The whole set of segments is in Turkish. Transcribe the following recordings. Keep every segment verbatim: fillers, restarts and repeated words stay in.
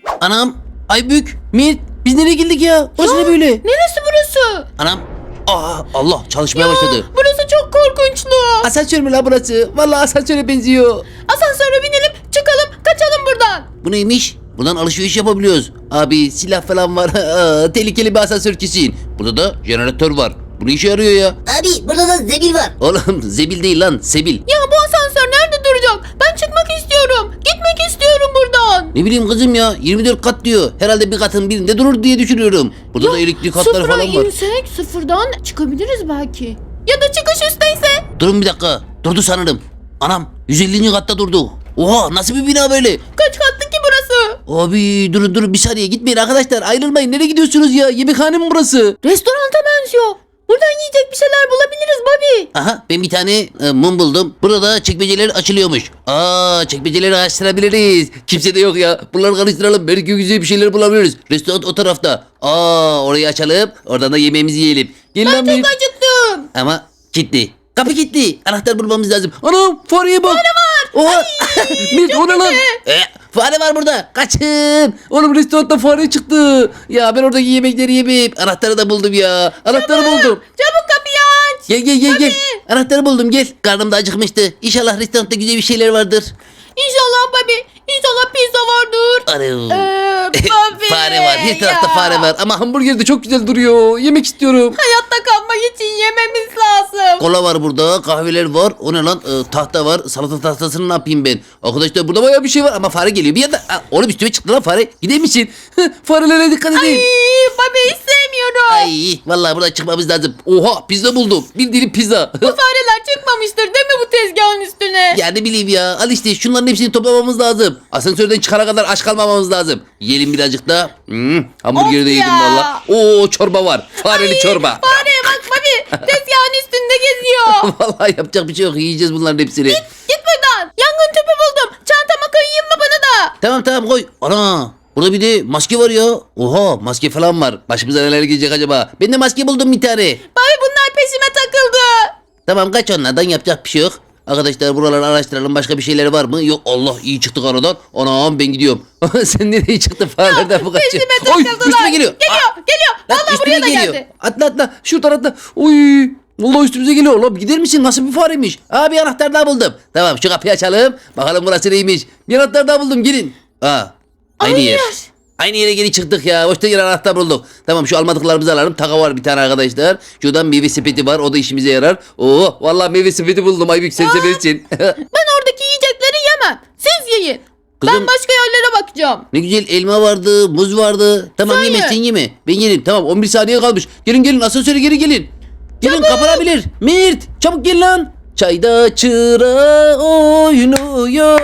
Anam, Aybük, Mirt, biz nereye geldik ya? Burası ne böyle? Neresi burası? Anam, aa, Allah çalışmaya başladı. Burası çok korkunçlu. Asansör mü la burası? Vallahi asansöre benziyor. Asansöre binelim, çıkalım, kaçalım buradan. Bu neymiş? Buradan alışveriş yapabiliyoruz. Abi silah falan var. Aa, tehlikeli bir asansör kesin. Burada da jeneratör var. Bu ne işe yarıyor ya? Abi burada da zebil var. Oğlum zebil değil lan, sebil. Ya bu asansör nerede duracak? Ben çıkmak istiyorum. Gitmek istiyorum buradan. Ne bileyim kızım ya, yirmi dört kat diyor. Herhalde bir katın birinde durur diye düşünüyorum. Burada da elektrik hatları sıfıra falan var. insek sıfırdan çıkabiliriz belki. Ya da çıkış üstteyse. Durun bir dakika. Durdu sanırım. Anam yüz ellinci katta durdu. Oha, nasıl bir bina böyle? Kaç katlı ki burası? Abi durun durun bir saniye, gitmeyin arkadaşlar, ayrılmayın. Nereye gidiyorsunuz ya? Yemekhane mi burası? Restoranta benziyor. Buradan yiyecek bir şeyler bulabiliriz Bobby. Aha, ben bir tane e, mum buldum. Burada çekmeceler açılıyormuş. Aa, çekmeceleri açtırabiliriz. Kimse de yok ya. Bunları karıştıralım. Belki güzel bir şeyler bulabiliriz. Restoran o tarafta. Aa, orayı açalım. Oradan da yemeğimizi yiyelim. Gel lan Ben bir. çok acıktım. Ama kilitli. Kapı kilitli. Anahtar bulmamız lazım. Anam, fareye bak. Fare var. Oha. Mit, o ne lan? E, fare var burada. Kaçın. Oğlum restoranda fare çıktı. Ya ben oradaki yemekleri yemeyeyim. Anahtarı da buldum ya. Anahtarı buldum. Çabuk kapıyı aç. Gel gel gel gel. Anahtarı buldum, gel. Karnım da acıkmıştı. İnşallah restoranda güzel bir şeyler vardır. İnşallah Bobby. İnşallah pizza vardır. Arı. Ee, Bobby. Fare var. Her tarafta ya. fare var. Ama hamburger de çok güzel duruyor. Yemek istiyorum. Hayatta kalmak için yememiz lazım. Kola var burada. Kahveler var. O ne lan? Ee, tahta var. Salata tahtasını ne yapayım ben? Arkadaşlar burada bayağı bir şey var ama fare geliyor. Bir yanda. Aa, oğlum üstüme çıktı lan fare. Gider misin? Farelere dikkat edin. Ay Bobby istemiyorum. Ay, vallahi buradan çıkmamız lazım. Oha, pizza buldum. Bir dilim pizza. Bu fareler çıkmamıştır değil mi bu tezgahın üstüne? Ya ne bileyim ya. Al işte, şunların hepsini toplamamız lazım. Asansörden çıkana kadar aç kalmamamız lazım. Yiyelim birazcık da. Hmm, hamburgeri Of de yedim ya. valla. Oo, çorba var. Fareli çorba. Fareye bak Bobby. Tezgahın üstünde geziyor. Vallahi yapacak bir şey yok. Yiyeceğiz bunların hepsini. Git buradan. Yangın tüpü buldum. Çantama koyayım mı bana da? Tamam tamam, koy. Ana, burada bir de maske var ya. Oha, maske falan var. Başımıza neler gelecek acaba? Ben de maske buldum bir tane. Bobby bunlar peşime takıldı. Tamam, kaç onlardan, yapacak bir şey yok. Arkadaşlar buraları araştıralım. Başka bir şeyler var mı? Yok, Allah, iyi çıktık aradan. Anam, ben gidiyorum. Sen nereye çıktın? Farelerden bu kaçıyor. Peşime Oy, takıldılar. üstüme geliyor. Geliyor Aa, geliyor. lan Vallahi üstüme buraya da geliyor. geldi. Atla atla. Şuradan atla. Oy. Vallahi üstümüze geliyor. Oğlum gider misin? Nasıl bir fareymiş? Aa, bir anahtar daha buldum. Tamam, şu kapıyı açalım. Bakalım burası neymiş. Bir anahtar daha buldum. Gelin. Aa, aynı Aynı yer. yer. Aynı yere geri çıktık ya. Boşta yer anahtar bulduk. Tamam, şu almadıklarımızı alalım. Taka var bir tane arkadaşlar. Şuradan meyve sepeti var. O da işimize yarar. Oo, vallahi meyve sepeti buldum. Aybük, sen seversin. Ben oradaki yiyecekleri yemem. Siz yiyin. Kızım- Ben başka yerlere bakacağım. Ne güzel elma vardı, muz vardı. Tamam, Sen yeme ye. sen yeme. Ben yerim. Tamam, on bir saniye kalmış. Gelin gelin, asansöre geri gelin. Gelin, kapanabilir. Mert, çabuk gel lan. Çayda çıra oynuyor.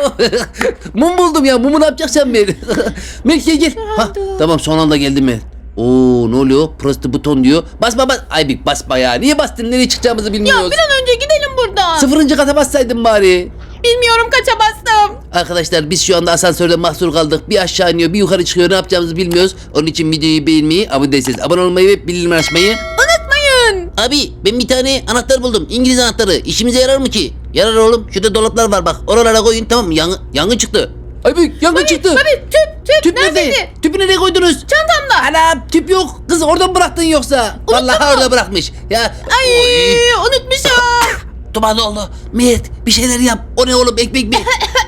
Mum buldum ya. Mumu ne yapacaksın ben? Mert gel gel. Ha, tamam, son anda geldim Mert. Oo, ne oluyor? Press the button diyor. Basma bas. Ay bir basma ya. Niye bastın? Nereye çıkacağımızı Ya bilmiyoruz. bir an önce gidelim buradan. Sıfırıncı kata bassaydın bari. Bilmiyorum kaça bastım. Arkadaşlar biz şu anda asansörde mahsur kaldık. Bir aşağı iniyor, bir yukarı çıkıyor. Ne yapacağımızı bilmiyoruz. Onun için videoyu beğenmeyi, abone değilseniz abone olmayı ve bildirim açmayı. Unutmayın. Abi, ben bir tane anahtar buldum. İngiliz anahtarı. İşimize yarar mı ki? Yarar oğlum. Şurada dolaplar var bak. Oralara koyun, tamam mı? Yangın, yangın çıktı. Abi, yangın çıktı. Bobby tüp tüp, Tüp nerede? neredeydi? Tüpü nereye koydunuz? Çantamda. Ana, tüp yok. Kız, oradan bıraktın yoksa. Vallahi mu? orada bırakmış. Ya. Ay Oy. unutmuşum. Duman oldu. Mert, bir şeyler yap. O ne oğlum, ekmek mi?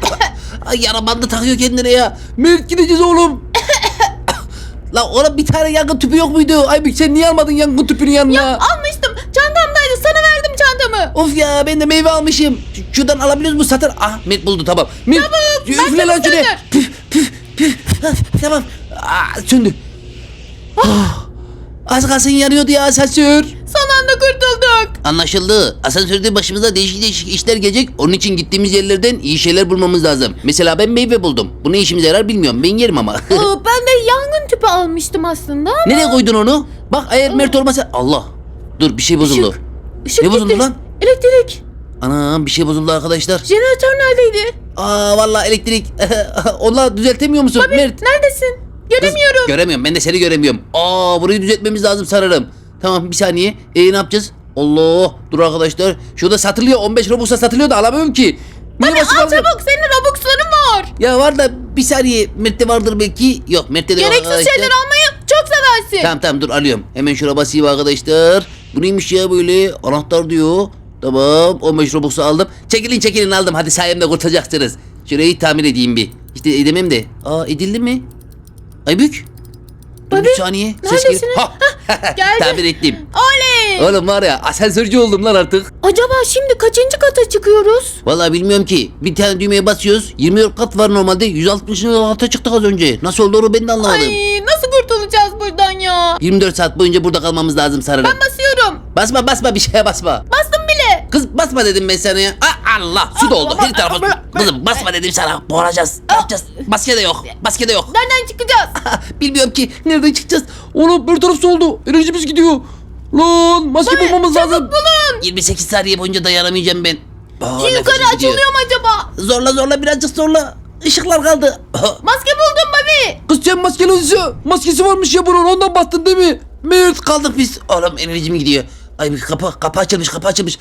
Ay, yara bandı takıyor kendine ya. Mert, gideceğiz oğlum. La oğlum, bir tane yangın tüpü yok muydu? Ay, sen niye almadın yangın tüpünü yanına? Almıştım. Çantamdaydı. Sana verdim çantamı. Of ya, ben de meyve almışım. Ş- Şuradan alabiliyoruz mu? Satır. Ah, Mert buldu, tamam. Mert, Çabuk, ben üfle lan çabuk şuraya. söndür. Püf püf püf. Ah, tamam. Aa, söndü. Ah, az kalsın yanıyordu ya asansör. Son anda kurtulduk. Anlaşıldı. Asansörde başımıza değişik değişik işler gelecek. Onun için gittiğimiz yerlerden iyi şeyler bulmamız lazım. Mesela ben meyve buldum. Bu ne işimize yarar bilmiyorum. Ben yerim ama. Aa, ben de yangın tüpü almıştım aslında. Nereye koydun onu? Bak, eğer Mert olmasa... Allah. Dur, bir şey bozuldu. Işık. Işık Ne bozuldu gitti. lan? Elektrik. Anam, bir şey bozuldu arkadaşlar. Jeneratör neredeydi? Aa, vallahi elektrik. Onunla düzeltemiyor musun Mert? Neredesin? Göremiyorum. Kız, göremiyorum. Ben de seni göremiyorum. Aa, burayı düzeltmemiz lazım sanırım. Tamam, bir saniye. E, ne yapacağız? Allah. Dur arkadaşlar. Şurada satılıyor. on beş Robux'a satılıyor da alamıyorum ki. Niye Hadi basıp al alacağım? çabuk. Senin Robux'ların var. Ya var da bir saniye Mert'te vardır belki. Yok Mert'te de yok Gereksiz arkadaşlar. şeyler almayı çok seversin. Tamam tamam dur alıyorum. Hemen şuna basayım arkadaşlar. Bu neymiş ya böyle? Anahtar diyor. Tamam on beş Robux'u aldım. Çekilin çekilin aldım. Hadi sayemde kurtulacaksınız. Şurayı tamir edeyim bir. İşte edemem de. Aa edildi mi? Aybük. Dur Babi, bir saniye. Ses neredesiniz? geliyor. Ha. Geldi. Tamir ettim. Oley. Oğlum var ya asansörcü oldum lan artık. Acaba şimdi kaçıncı kata çıkıyoruz? Vallahi bilmiyorum ki. Bir tane düğmeye basıyoruz. yirmi dört kat var normalde. yüz altmışıncı kata çıktık az önce. Nasıl oldu onu ben de anlamadım. Ay nasıl kurtulacağız buradan ya? yirmi dört saat boyunca burada kalmamız lazım sanırım. Ben basıyorum. Basma basma bir şeye basma. Bastım bile. Kız basma dedim ben sana ya. Aa, Allah su doldu. Her tarafa. Kızım basma dedim sana. Boğulacağız. Ne yapacağız? Maske de yok. Maske de yok. Nereden çıkacağız? Bilmiyorum ki. Nereden çıkacağız? Oğlum bir taraf su oldu. Enerjimiz gidiyor. Lan maske Babi, bulmamız çabuk lazım. bulun. yirmi sekiz saniye boyunca dayanamayacağım ben. Aa, Şu yukarı nefesim gidiyor. açılıyor mu acaba? Zorla zorla birazcık zorla. Işıklar kaldı. Maske buldum Babi. Kız sen maskeli olsa maskesi varmış ya bunun ondan bastın değil mi? Mert kaldık biz. Oğlum enerjim gidiyor. Ay bir kapı kapı açılmış kapı açılmış.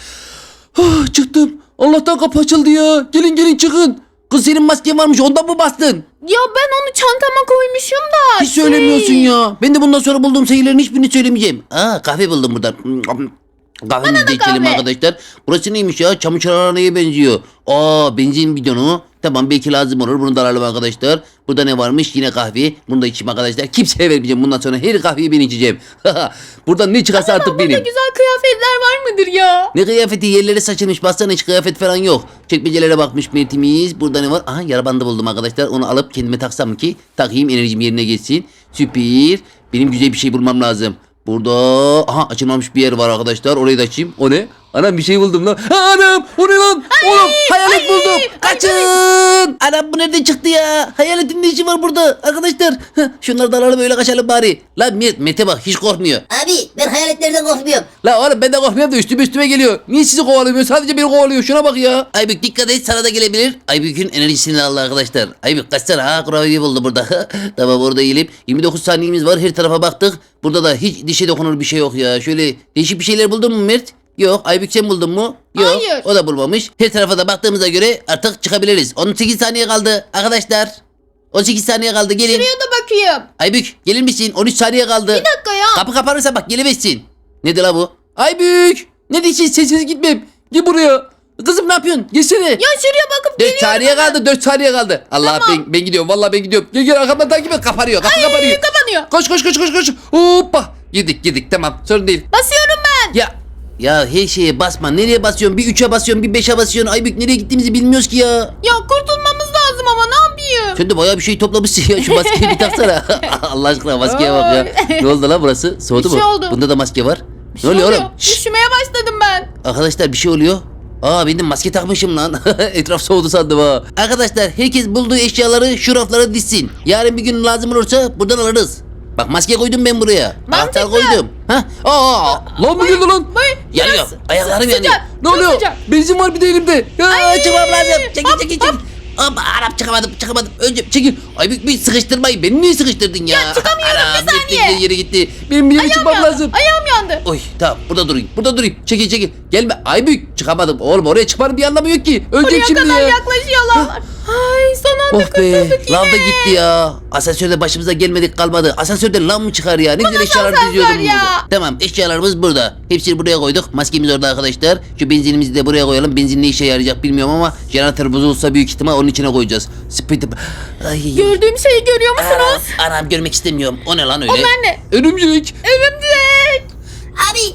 Ah, çıktım. Allah'tan kapı açıldı ya. Gelin gelin çıkın. Kız senin masken varmış ondan mı bastın? Ya ben onu çantama koymuşum da. Hiç söylemiyorsun şey- ya. Ben de bundan sonra bulduğum şeylerin hiçbirini söylemeyeceğim. Aa kahve buldum buradan. Kahvemizi de içelim kahve. arkadaşlar. Burası neymiş ya? Çamur çararaneye benziyor. Aa benzin bidonu. Tamam belki lazım olur. Bunu da alalım arkadaşlar. Burada ne varmış? Yine kahve. Bunu da içeyim arkadaşlar. Kimseye vermeyeceğim. Bundan sonra her kahveyi ben içeceğim. Buradan ne çıkarsa artık Burada benim. güzel kıyafetler var mıdır ya? Ne kıyafeti yerlere saçılmış. Baksana hiç kıyafet falan yok. Çekmecelere bakmış Mert'imiz. Burada ne var? Aha yara bandı buldum arkadaşlar. Onu alıp kendime taksam ki takayım enerjim yerine geçsin. Süper. Benim güzel bir şey bulmam lazım. Burada aha açılmamış bir yer var arkadaşlar. Orayı da açayım. O ne? Anam bir şey buldum lan. Ha, anam o ne lan? Oğlum hayalet ay, buldum. ay, Kaçın. Anam bu nereden çıktı ya? Hayaletin ne işi var burada arkadaşlar? Heh, şunları da alalım öyle kaçalım bari. Lan Met, Mete bak hiç korkmuyor. Abi ben hayaletlerden korkmuyorum. La oğlum ben de korkmuyorum da üstüme üstüme geliyor. Niye sizi kovalamıyor? Sadece beni kovalıyor. Şuna bak ya. Aybük dikkat et sana da gelebilir. Aybük'ün enerjisini aldı arkadaşlar. Aybük kaçsana ha kurabiye buldu burada. Tamam orada eğilip. yirmi dokuz saniyemiz var. Her tarafa baktık. Burada da hiç dişe dokunur bir şey yok ya. Şöyle değişik bir şeyler buldun mu Mert? Yok. Aybük sen buldun mu? Yok. Hayır. O da bulmamış. Her tarafa da baktığımıza göre artık çıkabiliriz. on sekiz saniye kaldı arkadaşlar. on sekiz saniye kaldı gelin. Şuraya da bakayım. Aybük gelir misin? on üç saniye kaldı. Bir dakika ya. Kapı kapanırsa bak gelemezsin. Nedir la bu? Aybük! Ne diyeceksin sessiz gitmem. Gel buraya. Kızım ne yapıyorsun? Gelsene. Ya şuraya bakıp dört geliyorum. saniye hemen. kaldı dört saniye kaldı. Allah Tamam. ben, ben gidiyorum vallahi ben gidiyorum. Gel gel arkamdan takip et kapanıyor kapı Ay, kapanıyor. kapanıyor. Koş koş koş koş koş. Hoppa. Girdik girdik tamam sorun değil. Basıyorum ben. Ya ya her şeye basma. Nereye basıyorsun? Bir üçe basıyorsun, bir beşe basıyorsun. Aybük nereye gittiğimizi bilmiyoruz ki ya. Ya kurtulmamız lazım ama ne yapayım? Sen de bayağı bir şey toplamışsın ya. Şu maskeyi bir taksana. Allah aşkına maskeye bak ya. Ne oldu lan burası? Soğudu Bir şey mu? oldu. Bunda da maske var. Bir Ne oluyor oluyor. oğlum? Şşş. Üşümeye başladım ben. Arkadaşlar bir şey oluyor. Aa ben de maske takmışım lan. Etraf soğudu sandım ha. Arkadaşlar herkes bulduğu eşyaları şu raflara dizsin. Yarın bir gün lazım olursa buradan alırız. Bak maske koydum ben buraya. Mantıklı. Anahtar koydum. Ha? Aa, lan mı geldi lan? Bay, Yanıyor. biraz Ayaklarım sı- yanıyor. sıcak, Ne çok oluyor? sıcak. Benzin var bir de elimde. Ya Ay, çıkmam lazım. Çekil hop, çekil çekil. Hop Arap çıkamadım çıkamadım. Önce çekil. Ay bir, bir sıkıştırmayın. Beni niye sıkıştırdın ya? Ya çıkamıyorum, Anam, bir saniye. gitti, yere gitti. Benim bir yere Ayağım çıkmam yandı. lazım. Ayağım yandı. Oy tamam burada durayım. Burada durayım. Çekil çekil. Gelme. Aybük çıkamadım. Oğlum oraya çıkmanın bir anlamı yok ki. Ölecek Oraya şimdi kadar ya. yaklaşıyorlar. Ay son anda Oh be. kurtulduk yine. Lav da gitti ya. Asansörde başımıza gelmedik kalmadı. Asansörden lav mı çıkar ya? Ne güzel eşyalar asansör diziyordum. ya. burada. Tamam eşyalarımız burada. Hepsini buraya koyduk. Maskemiz orada arkadaşlar. Şu benzinimizi de buraya koyalım. Benzin ne işe yarayacak bilmiyorum ama jeneratör bozulsa büyük ihtimal onun içine koyacağız. Speed. Ay. Gördüğüm şeyi görüyor Anam, musunuz? anam görmek istemiyorum. O ne lan öyle? Onlar ne? Örümcek. Örümcek. Abi.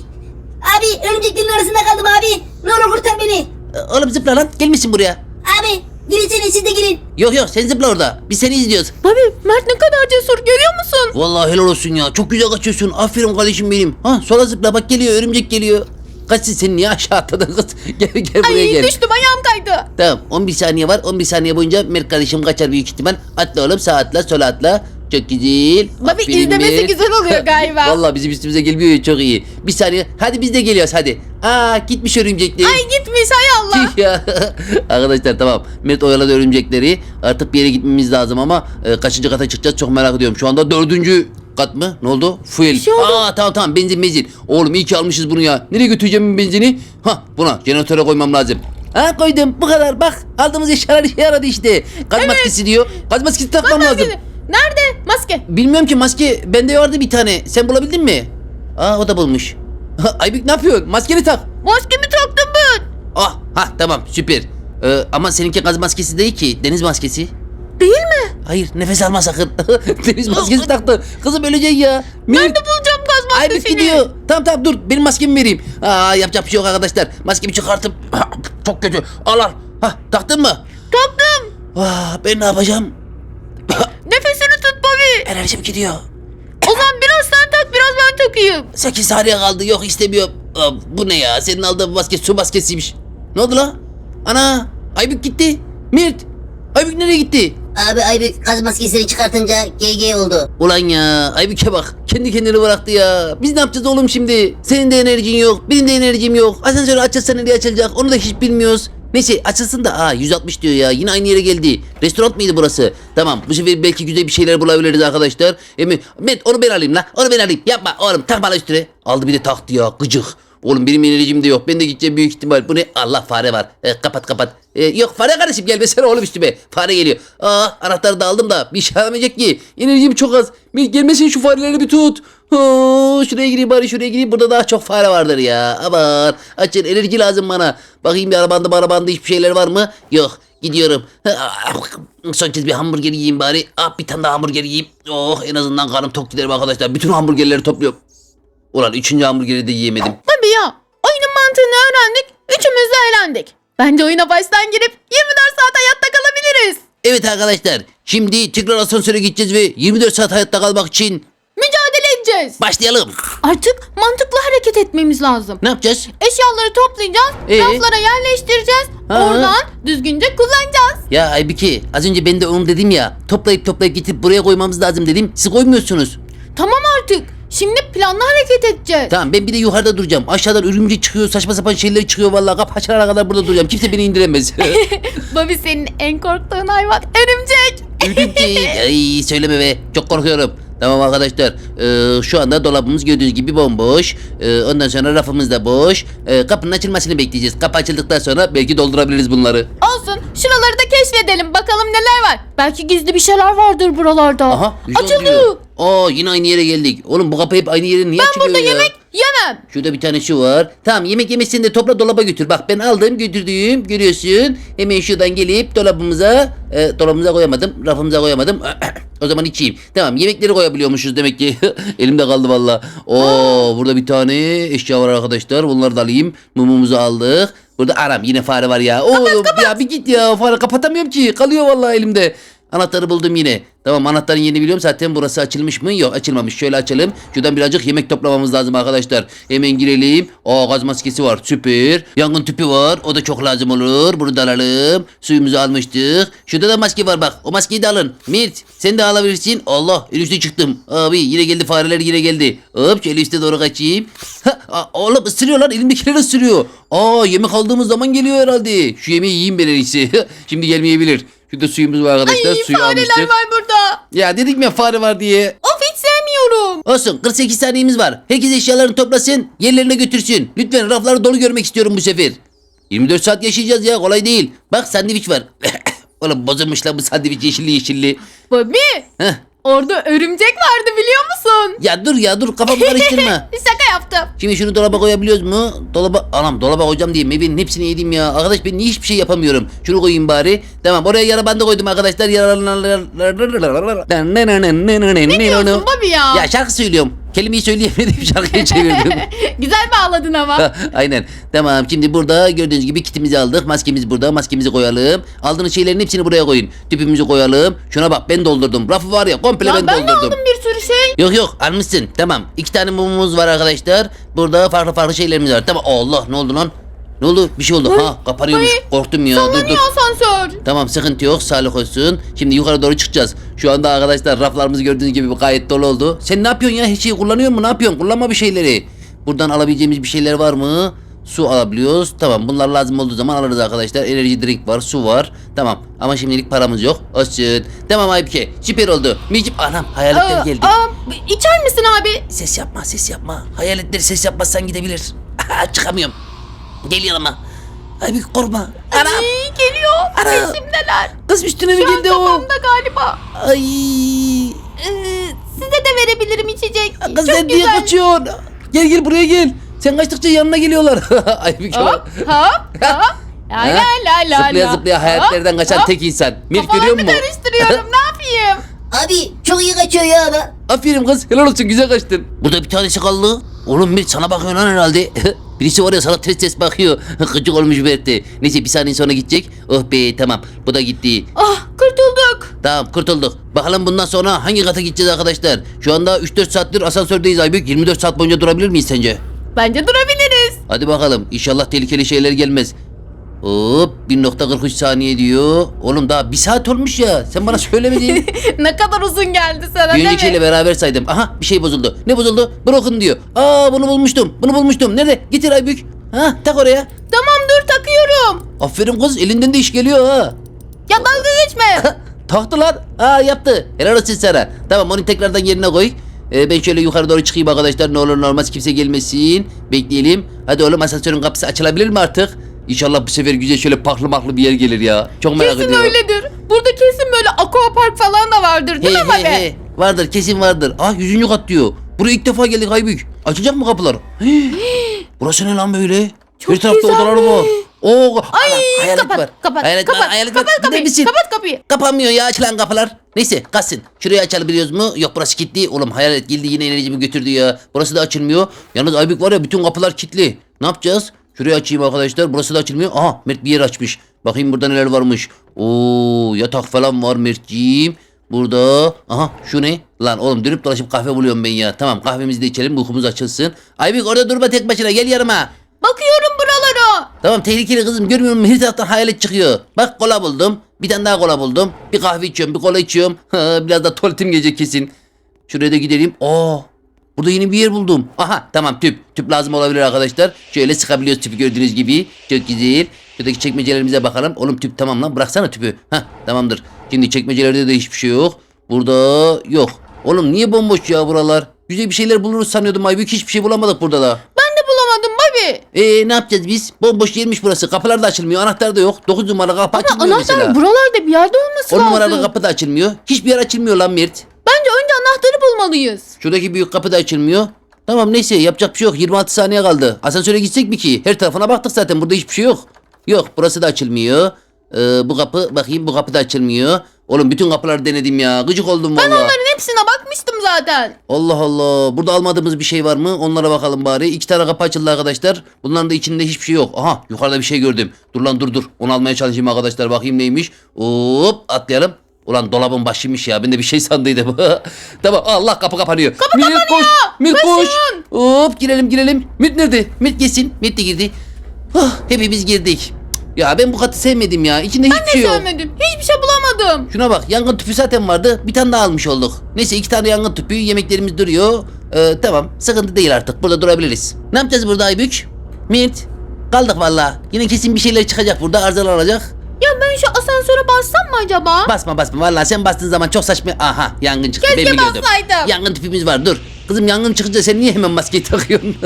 Abi örümceklerin arasında kaldım abi. Ne olur kurtar beni. Oğlum zıpla lan. Gelmişsin buraya. Abi girsene siz de girin. Yok yok sen zıpla orada. Biz seni izliyoruz. Babi Mert ne kadar cesur görüyor musun? Vallahi helal olsun ya. Çok güzel kaçıyorsun. Aferin kardeşim benim. Ha sola zıpla bak geliyor örümcek geliyor. Kaçsın sen niye aşağı atladın kız? Gel gel buraya Ay gel. düştüm ayağım kaydı. Tamam on bir saniye var. on bir saniye boyunca Mert kardeşim kaçar büyük ihtimal. Atla oğlum sağa atla sola atla. Çok güzel. Babi Aferin izlemesi Mert. güzel oluyor galiba. Vallahi bizim üstümüze gelmiyor ya çok iyi. Bir saniye. Hadi biz de geliyoruz hadi. Aa gitmiş örümcekler. Ay gitmiş hay Allah. Tüh ya. Arkadaşlar tamam. Mert oyaladı örümcekleri. Artık bir yere gitmemiz lazım ama e, kaçıncı kata çıkacağız çok merak ediyorum. Şu anda dördüncü kat mı? Ne oldu? Fuel. Bir şey oldu. Aa tamam tamam benzin benzin. Oğlum iyi ki almışız bunu ya. Nereye götüreceğim ben benzini? Ha buna jeneratöre koymam lazım. Ha koydum bu kadar bak aldığımız eşyalar işe yaradı işte. Gaz Evet. maskesi diyor. Gaz maskesi takmam lazım. Maske. Nerede maske? Bilmiyorum ki maske bende vardı bir tane. Sen bulabildin mi? Aa o da bulmuş. Aybük ne yapıyorsun? Maskeni tak. Maskemi taktım ben. Ah ha tamam süper. Ee, ama seninki gaz maskesi değil ki deniz maskesi. Değil mi? Hayır nefes alma sakın. Deniz maskesi taktı. Kızım öleceksin ya. Mir- Nerede bulacağım gaz Aybük maskesini? gidiyor. Tamam tamam dur benim maskemi vereyim. Aa yapacak bir şey yok arkadaşlar. Maskemi çıkartıp çok kötü. Al al. Hah taktın mı? Taktım. Ah, ben ne yapacağım? Nefesini tut Bobby. Enerjim gidiyor. O zaman biraz sen tak biraz ben takayım. sekiz saniye kaldı. Yok istemiyorum. Aa, bu ne ya? Senin aldığın maske su maskesiymiş. Ne oldu la? Ana! Aybük gitti. Mirt! Aybük nereye gitti? Abi Aybük gaz maskesini çıkartınca G G oldu. Ulan ya Aybük'e bak. Kendi kendini bıraktı ya. Biz ne yapacağız oğlum şimdi? Senin de enerjin yok. Benim de enerjim yok. Asansörü açılsa nereye açılacak? Onu da hiç bilmiyoruz. Neyse açılsın da aa yüz altmış diyor ya yine aynı yere geldi. Restoran mıydı burası? Tamam bu sefer belki güzel bir şeyler bulabiliriz arkadaşlar. Emi, Met onu ben alayım la onu ben alayım. Yapma oğlum tak bana üstüne. Aldı bir de taktı ya gıcık. Oğlum benim enerjim de yok. Ben de gideceğim büyük ihtimal. Bu ne? Allah fare var. E, kapat kapat. E, yok fare kardeşim gelmesene oğlum üstüme. Fare geliyor. Aa anahtarı da aldım da bir şey alamayacak ki. Enerjim çok az. Bir gelmesin şu fareleri bir tut. Oo, şuraya gireyim bari şuraya gireyim. Burada daha çok fare vardır ya. Aman açın enerji lazım bana. Bakayım bir arabanda arabanda hiçbir şeyler var mı? Yok. Gidiyorum. Son kez bir hamburger yiyeyim bari. Ah bir tane daha hamburger yiyeyim. Oh en azından karnım tok giderim arkadaşlar. Bütün hamburgerleri topluyorum. Ulan üçüncü hamburgeri de yiyemedim. Bobby ya oyunun mantığını öğrendik. Üçümüz de eğlendik. Bence oyuna baştan girip yirmi dört saat hayatta kalabiliriz. Evet arkadaşlar. Şimdi tekrar asansöre gideceğiz ve yirmi dört saat hayatta kalmak için Mücadele edeceğiz. başlayalım. Artık mantıklı hareket etmemiz lazım. Ne yapacağız? Eşyaları toplayacağız, Ee? raflara yerleştireceğiz. Ha. Oradan düzgünce kullanacağız. Ya Aybüke az önce ben de onu dedim ya. Toplayıp toplayıp getirip buraya koymamız lazım dedim. Siz koymuyorsunuz. Tamam artık. Şimdi planlı hareket edeceğiz. Tamam ben bir de yukarıda duracağım. Aşağıdan örümcek çıkıyor saçma sapan şeyler çıkıyor vallahi. Kapı açılana kadar burada duracağım. Kimse beni indiremez. Bobby senin en korktuğun hayvan örümcek. Örümcek. Ay söyleme be. Çok korkuyorum. Tamam arkadaşlar. Ee, şu anda dolabımız gördüğünüz gibi bomboş. Ee, ondan sonra rafımız da boş. Ee, kapının açılmasını bekleyeceğiz. Kapı açıldıktan sonra belki doldurabiliriz bunları. Olsun. Şuraları da keşfedelim. Bakalım neler var. Belki gizli bir şeyler vardır buralarda. Aha. yüz on Açıldı. diyor. Aa yine aynı yere geldik. Oğlum bu kapı hep aynı yere niye Ben açılıyor burada ya? yemek yemem. Şurada bir tane şu var. Tamam yemek yemesini de topla dolaba götür. Bak ben aldım götürdüğüm görüyorsun. Hemen şuradan gelip dolabımıza e, dolabımıza koyamadım. Rafımıza koyamadım. O zaman içeyim. Tamam yemekleri koyabiliyormuşuz demek ki. Elimde kaldı valla. Oo burada bir tane eşya var arkadaşlar. Bunları da alayım. Mumumuzu aldık. Burada aram yine fare var ya. Oğlum ya bir git ya fare kapatamıyorum ki. Kalıyor vallahi elimde. Anahtarı buldum yine. Tamam anahtarın yerini biliyorum zaten burası açılmış mı? Yok açılmamış. Şöyle açalım. Şuradan birazcık yemek toplamamız lazım arkadaşlar. Hemen girelim. Aa gaz maskesi var süper. Yangın tüpü var. O da çok lazım olur. Bunu da alalım. Suyumuzu almıştık. Şurada da maske var bak. O maskeyi de alın. Mirt sen de alabilirsin. Allah en üstte çıktım. Abi yine geldi fareler yine geldi. Hop şöyle üste doğru kaçayım. Ha, aa, oğlum ısırıyor lan elimdekiler ısırıyor. Aa yemek aldığımız zaman geliyor herhalde. Şu yemeği yiyeyim ben en iyisi. Şimdi gelmeyebilir. Şurada suyumuz var arkadaşlar. Ay Suyu fareler almıştık. var burada. Ya dedik mi ya fare var diye. Of hiç sevmiyorum. Olsun kırk sekiz saniyemiz var. Herkes eşyalarını toplasın yerlerine götürsün. Lütfen rafları dolu görmek istiyorum bu sefer. yirmi dört saat yaşayacağız ya kolay değil. Bak sandviç var. Oğlum bozulmuş lan bu sandviç yeşilli yeşilli. Bobby Heh. orada örümcek vardı biliyor musun? Ya dur ya dur kafamı karıştırma. Şaka yaptım. Şimdi şunu dolaba koyabiliyoruz mu? Dolaba anam dolaba koyacağım diye meyvenin hepsini yedim ya. Arkadaş ben niye hiçbir şey yapamıyorum. Şunu koyayım bari. Tamam oraya yara bandı koydum arkadaşlar. Ne diyorsun Bobby ya? Ya şarkı söylüyorum. Kelimeyi söyleyemedim şarkıyı çevirdim. Güzel bağladın ama. Aynen. Tamam şimdi burada gördüğünüz gibi kitimizi aldık. Maskemiz burada. Maskemizi koyalım. Aldığınız şeylerin hepsini buraya koyun. Tüpümüzü koyalım. Şuna bak ben doldurdum. Rafı var ya komple Ya ben, ben de doldurdum. aldım bir sürü şey. Yok yok almışsın. Tamam. İki tane mumumuz var arkadaşlar. Burada farklı farklı şeylerimiz var. Tamam. Allah ne oldu lan? Ne oldu? Bir şey oldu. Ay, ha kapanıyormuş. ay, Korktum ya. Dur dur. Sallanıyor asansör. Tamam sıkıntı yok. Sağlık olsun. Şimdi yukarı doğru çıkacağız. Şu anda arkadaşlar raflarımız gördüğünüz gibi gayet dolu oldu. Sen ne yapıyorsun ya? Hiç şey kullanıyor musun? Ne yapıyorsun? Kullanma bir şeyleri. Buradan alabileceğimiz bir şeyler var mı? Su alabiliyoruz. Tamam bunlar lazım olduğu zaman alırız arkadaşlar. Enerji drink var. Su var. Tamam. Ama şimdilik paramız yok. Olsun. Tamam Aybüke. Süper oldu. Micip anam hayaletler Aa, geldi. aa, içer misin abi? Ses yapma ses yapma. Hayaletleri ses yapmazsan gidebilir. Çıkamıyorum. Gel yanıma. Aybük korkma. Ana. Ay, geliyor. Ana. Peşimdeler. Kız üstüne mi Şu an geldi o? kafamda galiba. Ay. Ee, size de verebilirim içecek. Kız Çok sen niye güzel. kaçıyorsun? Gel gel buraya gel. Sen kaçtıkça yanına geliyorlar. Aybük Hop bak. hop hop. La la Ha? la la. Zıplaya zıplaya hayatlardan kaçan tek insan. Mir görüyor musun? Kafalarını karıştırıyorum. Ne yapayım? Abi çok iyi kaçıyor ya ama. Aferin kız helal olsun güzel kaçtın. Burada bir tanesi kaldı. Oğlum Mir sana bakıyor lan herhalde. Birisi var ya sana ters ters bakıyor. Gıcık olmuş Mert'e. Neyse bir saniye sonra gidecek. Oh be tamam bu da gitti. Ah, kurtulduk. Tamam kurtulduk. Bakalım bundan sonra hangi kata gideceğiz arkadaşlar? Şu anda üç dört saattir asansördeyiz Aybük. yirmi dört saat boyunca durabilir miyiz sence? Bence durabiliriz. Hadi bakalım. İnşallah tehlikeli şeyler gelmez. Hop bir nokta kırk üç saniye diyor. Oğlum daha bir saat olmuş ya. Sen bana söylemedin. Ne kadar uzun geldi sana Bir değil öncekiyle mi? beraber saydım. Aha bir şey bozuldu. Ne bozuldu? Broken diyor. Aa bunu bulmuştum. Bunu bulmuştum. Nerede? Getir Aybük. Ha tak oraya. Tamam dur takıyorum. Aferin kız elinden de iş geliyor ha. Ya dalga geçme. Taktılar. Aa yaptı. Helal olsun sana. Tamam onu tekrardan yerine koy. Ee, ben şöyle yukarı doğru çıkayım arkadaşlar. Ne olur ne olmaz kimse gelmesin. Bekleyelim. Hadi oğlum asansörün kapısı açılabilir mi artık? İnşallah bu sefer güzel şöyle paklı maklı bir yer gelir ya. Çok merak Kesin ediyorum. öyledir. Burada kesin böyle aquapark falan da vardır değil He mi he abi? he. Vardır kesin vardır. Ah yüzüncü kat diyor. Buraya ilk defa geldik Aybük. Açılacak mı kapılar? Hii. Burası ne lan böyle? Çok Bir tarafta güzel odalar mi? var. Oo, Ay ana, hayalet kapat, var. kapat, Hayalet kapat, var, hayalet kapat, var. Gider kapıyı, misin? kapat kapıyı. Kapanmıyor ya açılan kapılar. Neyse kalsın. Şurayı açabiliyoruz mu? Yok burası kilitli. Oğlum hayalet geldi yine enerjimi götürdü ya. Burası da açılmıyor. Yalnız Aybük var ya bütün kapılar kilitli. Ne yapacağız? Şurayı açayım arkadaşlar. Burası da açılmıyor. Aha Mert bir yer açmış. Bakayım burada neler varmış. Oo yatak falan var Mertciğim. Burada. Aha şu ne? Lan oğlum dönüp dolaşıp kahve buluyorum ben ya. Tamam kahvemizi de içelim uykumuz açılsın. Aybük orada durma tek başına gel yanıma. Bakıyorum buralara. Tamam tehlikeli kızım görmüyor musun? Her taraftan hayalet çıkıyor. Bak kola buldum. Bir tane daha kola buldum. Bir kahve içiyorum bir kola içiyorum. Ha, biraz da tuvaletim gelecek kesin. Şuraya da gidelim. Aa, burada yeni bir yer buldum. Aha tamam tüp. Tüp lazım olabilir arkadaşlar. Şöyle sıkabiliyoruz tüpü gördüğünüz gibi. Çok güzel. Şuradaki çekmecelerimize bakalım. Oğlum tüp tamam lan bıraksana tüpü. Hah tamamdır. Şimdi çekmecelerde de hiçbir şey yok. Burada yok. Oğlum niye bomboş ya buralar? Güzel bir şeyler buluruz sanıyordum Aybük. Hiçbir şey bulamadık burada da. Ben de bulamadım Bobby. Eee ne yapacağız biz? Bomboş yermiş burası. Kapılar da açılmıyor. Anahtar da yok. dokuz numaralı kapı açılmıyor Anahtar mesela. buralarda bir yerde olması on lazım. numaralı kapı da açılmıyor. Hiçbir yer açılmıyor lan Mert. Bence önce anahtarı bulmalıyız. Şuradaki büyük kapı da açılmıyor. Tamam neyse yapacak bir şey yok. yirmi altı saniye kaldı. Asansöre gitsek mi ki? Her tarafına baktık zaten. Burada hiçbir şey yok. Yok burası da açılmıyor. Ee, bu kapı bakayım bu kapı da açılmıyor. Oğlum bütün kapıları denedim ya. Gıcık oldum Ben valla. onların hepsine bakmıştım zaten. Allah Allah. Burada almadığımız bir şey var mı? Onlara bakalım bari. İki tane kapı açıldı arkadaşlar. Bunların da içinde hiçbir şey yok. Aha yukarıda bir şey gördüm. Dur lan dur dur. Onu almaya çalışayım arkadaşlar. Bakayım neymiş. Hop atlayalım. Ulan dolabın başıymış ya. Ben de bir şey sandıydım. Tamam Allah kapı kapanıyor. Kapı Mir, kapanıyor. Koş. Mir koş. Koşun. Hop girelim girelim. Mit nerede? Mit gelsin. Mit de girdi. Oh, hepimiz girdik. Ya ben bu katı sevmedim ya. İçinde hiçbir Ben de şey yok. sevmedim. Hiçbir şey bulamadım. Şuna bak yangın tüpü zaten vardı. Bir tane daha almış olduk. Neyse iki tane yangın tüpü yemeklerimiz duruyor. Ee, tamam sıkıntı değil artık burada durabiliriz. Ne yapacağız burada Aybük? Mert kaldık valla. Yine kesin bir şeyler çıkacak burada arızalar olacak. Ya ben şu asansöre bassam mı acaba? Basma basma valla sen bastığın zaman çok saçma. Aha yangın çıktı Keşke ben biliyordum. bassaydım. Yangın tüpümüz var dur. Kızım yangın çıkınca sen niye hemen maskeyi takıyorsun?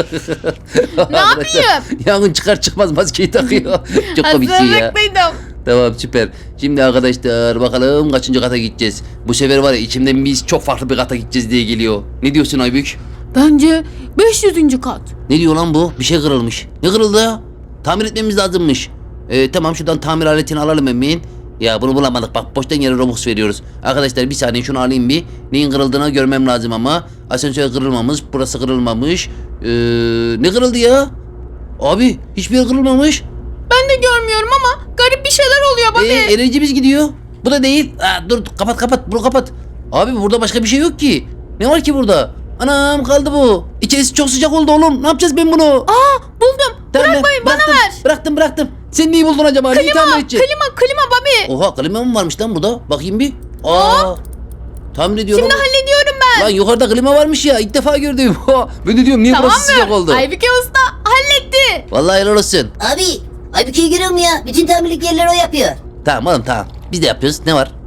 Ne yapayım? Yangın çıkar çıkmaz maskeyi takıyor. Çok komiksin ya. Hazırlıklıydım. Tamam süper. Şimdi arkadaşlar bakalım kaçıncı kata gideceğiz. Bu sefer var ya içimden biz çok farklı bir kata gideceğiz diye geliyor. Ne diyorsun Aybük? Bence beş yüzüncü kat. Ne diyor lan bu? Bir şey kırılmış. Ne kırıldı ya? Tamir etmemiz lazımmış. Ee, tamam şuradan tamir aletini alalım hemen. Ya bunu bulamadık bak boştan yere Robux veriyoruz. Arkadaşlar bir saniye şunu alayım bir. Neyin kırıldığını görmem lazım ama. Asansör kırılmamış. Burası kırılmamış. Ee, ne kırıldı ya? Abi hiçbir yer kırılmamış. Ben de görmüyorum ama garip bir şeyler oluyor Bobby. Ee, enerjimiz gidiyor. Bu da değil. Aa, dur kapat kapat bunu kapat. Abi burada başka bir şey yok ki. Ne var ki burada? Anam kaldı bu. İçerisi çok sıcak oldu oğlum. Ne yapacağız ben bunu? Aa buldum. Tamam, Bırakmayın bana bıraktım, ver. Bıraktım bıraktım. Sen neyi buldun acaba? Neyi Klima, tamir edeceksin? klima, klima Bobby. Oha klima mı varmış lan burada? Bakayım bir. Aa. Tamir ediyorum. Şimdi hallediyorum ben. Lan yukarıda klima varmış ya. İlk defa gördüm. Ben de diyorum niye Tamam burası sıcak mı? oldu? Aybüke Usta halletti. Vallahi helal olsun. Abi Aybüke'yi görüyor musun ya? Bütün tamirlik yerleri o yapıyor. Tamam oğlum tamam. Biz de yapıyoruz. Ne var?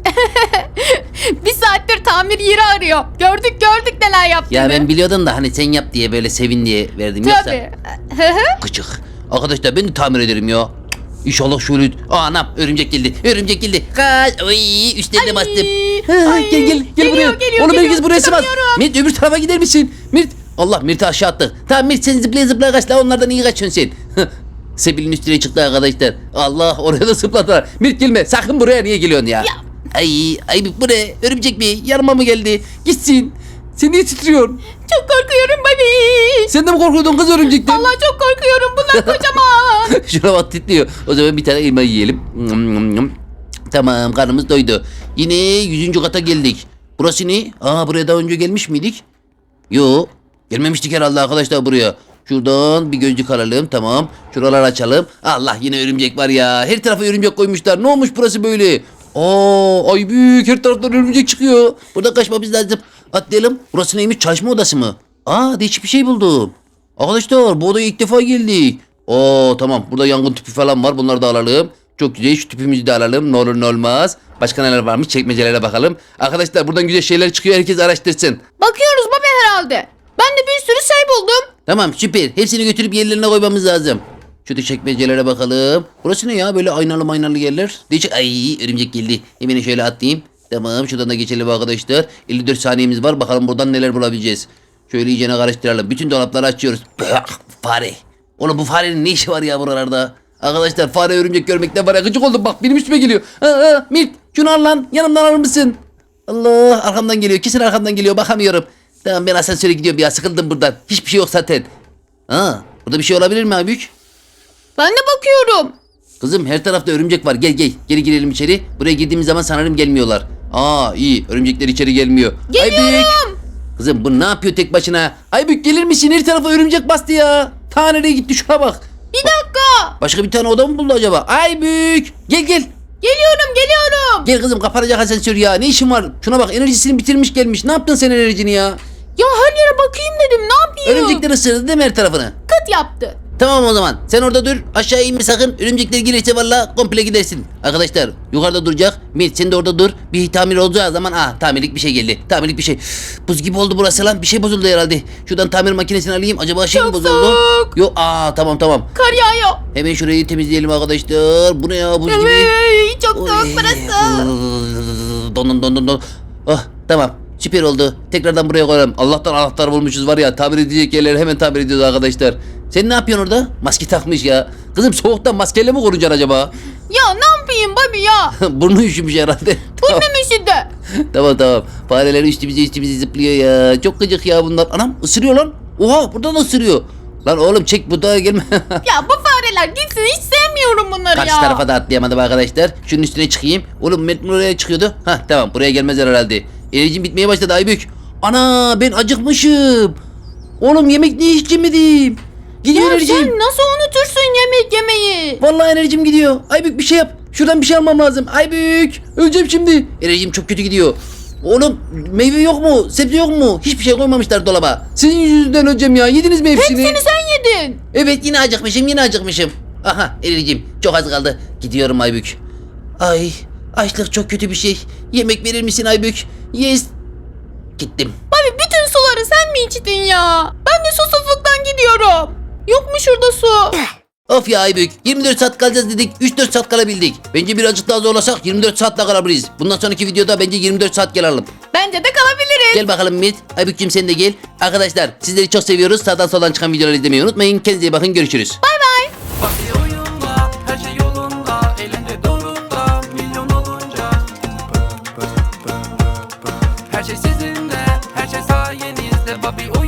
Bir saattir tamir yeri arıyor. Gördük gördük neler yaptığını. Ya ben biliyordum da hani sen yap diye böyle sevin diye verdim. Yoksa Tabii. Hı hı. gıcık. Arkadaşlar ben de tamir ederim ya. İnşallah şöyle. Aa, anam örümcek geldi. Örümcek geldi. Kaç. Oy, üstlerine Ay, bastım. Ha, ay, gel gel gel geliyor, buraya. geliyor, Oğlum geliyor. herkes buraya sığmaz. Çıkamıyorum. Mirt öbür tarafa gider misin? Mirt. Allah Mirt'i aşağı attı. Tamam Mirt sen zıplaya zıplaya kaç la, onlardan iyi kaçıyorsun sen. Sebil'in üstüne çıktı arkadaşlar. Allah, oraya da zıpladılar. Mirt gelme sakın, buraya niye geliyorsun ya? Ya. Ay ay bu ne? Örümcek mi? Yanıma mı geldi? Gitsin. Sen niye titriyorsun? Çok korkuyorum baby. Sen de mi korkuyordun kız örümcekten? Allah çok korkuyorum. Bunlar kocaman. Şuna bak titriyor. O zaman bir tane elma yiyelim. Tamam, karnımız doydu. Yine yüzüncü kata geldik. Burası ne? Aa, buraya daha önce gelmiş miydik? Yo. Gelmemiştik herhalde arkadaşlar buraya. Şuradan bir gözlük alalım, tamam. Şuraları açalım. Allah, yine örümcek var ya. Her tarafa örümcek koymuşlar. Ne olmuş burası böyle? Aa, ay büyük, her taraftan örümcek çıkıyor. Burada kaçmamız lazım. Atlayalım. Burası neymiş? Çalışma odası mı? Aa, değişik bir şey buldum. Arkadaşlar bu odaya ilk defa geldik. Oo, tamam, burada yangın tüpü falan var, bunları da alalım. Çok güzel, şu tüpümüzü de alalım, ne olur ne olmaz. Başka neler varmış, çekmecelere bakalım. Arkadaşlar buradan güzel şeyler çıkıyor, herkes araştırsın. Bakıyoruz baba herhalde. Ben de bir sürü şey buldum. Tamam, süper, hepsini götürüp yerlerine koymamız lazım. Şu çekmecelere bakalım. Burası ne ya, böyle aynalı maynalı yerler. Değişik. Ay, örümcek geldi. Hemen şöyle atlayayım. Tamam, şuradan da geçelim arkadaşlar. elli dört saniyemiz var, bakalım buradan neler bulabileceğiz. Şöyle iyicene karıştıralım. Bütün dolapları açıyoruz. Fare. Oğlum bu farenin ne işi var ya buralarda? Arkadaşlar fare örümcek görmekten var ya, gıcık oldum, bak benim üstüme geliyor. Ha, ha, Mirt şunu al lan, yanımdan alır mısın? Allah, arkamdan geliyor, kesin arkamdan geliyor, bakamıyorum. Tamam, ben asansöre gidiyorum ya, sıkıldım buradan. Hiçbir şey yok zaten. Ha, burada bir şey olabilir mi abi? Ben de bakıyorum. Kızım her tarafta örümcek var, gel gel, geri girelim içeri. Buraya girdiğimiz zaman sanırım gelmiyorlar. Aa, iyi, örümcekler içeri gelmiyor. Aybük. Geliyorum. Kızım bu ne yapıyor tek başına? Aybük gelir misin? Her tarafa örümcek bastı ya. Ta nereye gitti, şuna bak. Bir dakika. Başka bir tane oda mı buldu acaba? Aybük gel gel. Geliyorum geliyorum. Gel kızım, kapanacak asansör ya. Ne işin var? Şuna bak, enerjisini bitirmiş gelmiş. Ne yaptın sen enerjini ya? Ya her yere bakayım dedim, ne yapayım? Örümcekler ısırdı değil mi her tarafını? Kıt yaptı. Tamam o zaman. Sen orada dur. Aşağı inme sakın. Örümcekler gelirse valla komple gidersin. Arkadaşlar yukarıda duracak. Mirt sen de orada dur. Bir tamir olacağı zaman ah, tamirlik bir şey geldi. Tamirlik bir şey. Buz gibi oldu burası lan. Bir şey bozuldu herhalde. Şuradan tamir makinesini alayım. Acaba şey mi Çok bozuldu? soğuk. Yok, aa tamam tamam. Kar yağıyor. Hemen şurayı temizleyelim arkadaşlar. Bu ne ya, buz gibi. Ay, çok soğuk Oy. burası. Don don don don. Ah, tamam. Süper oldu. Tekrardan buraya koyalım. Allah'tan anahtar bulmuşuz var ya. Tamir edecek yerleri hemen tamir ediyoruz arkadaşlar. Sen ne yapıyorsun orada? Maske takmış ya. Kızım soğuktan maskeyle mi korunacaksın acaba? Ya ne yapayım babi ya? Burnu üşümüş herhalde. Bu ne üşüdü? Tamam tamam. Fareler üstümüze üstümüze zıplıyor ya. Çok gıcık ya bunlar. Anam ısırıyor lan. Oha, buradan da ısırıyor. Lan oğlum çek, bu da gelme. Ya bu fareler gitsin, hiç sevmiyorum bunları Karşı ya. tarafa da atlayamadım arkadaşlar. Şunun üstüne çıkayım. Oğlum Met oraya çıkıyordu. Hah tamam, buraya gelmezler herhalde. Enerjim bitmeye başladı Aybük. Ana, ben acıkmışım. Oğlum yemek niye hiç yemedim? Gidiyor Ya enerjim. sen nasıl unutursun yemek yemeyi? Vallahi enerjim gidiyor. Aybük bir şey yap. Şuradan bir şey almam lazım. Aybük. Öleceğim şimdi. Enerjim çok kötü gidiyor. Oğlum meyve yok mu? Sebze yok mu? Hiçbir şey koymamışlar dolaba. Sizin yüzünüzden öleceğim ya. Yediniz mi hepsini? Hepsini sen yedin. Evet, yine acıkmışım, yine acıkmışım. Aha, enerjim çok az kaldı. Gidiyorum Aybük. Ay, açlık çok kötü bir şey. Yemek verir misin Aybük? Yes. Gittim. Babi bütün suları sen mi içtin ya? Ben de susuzluktan gidiyorum. Yok mu şurada su? Of ya Aybük, yirmi dört saat kalacağız dedik, üç dört saat kalabildik. Bence birazcık daha zorlasak yirmi dört saatte kalabiliriz. Bundan sonraki videoda bence yirmi dört saat gel Bence de kalabiliriz. Gel bakalım Mit. Aybük'cüm sen de gel. Arkadaşlar sizleri çok seviyoruz. Sağdan soldan çıkan videoları izlemeyi unutmayın. Kendinize iyi bakın, görüşürüz. Bay bay. Bak oyunda, her şey yolunda, eğlence dorukta, milyon olunca. Her şey sizinle, her şey sayenizde. Bobby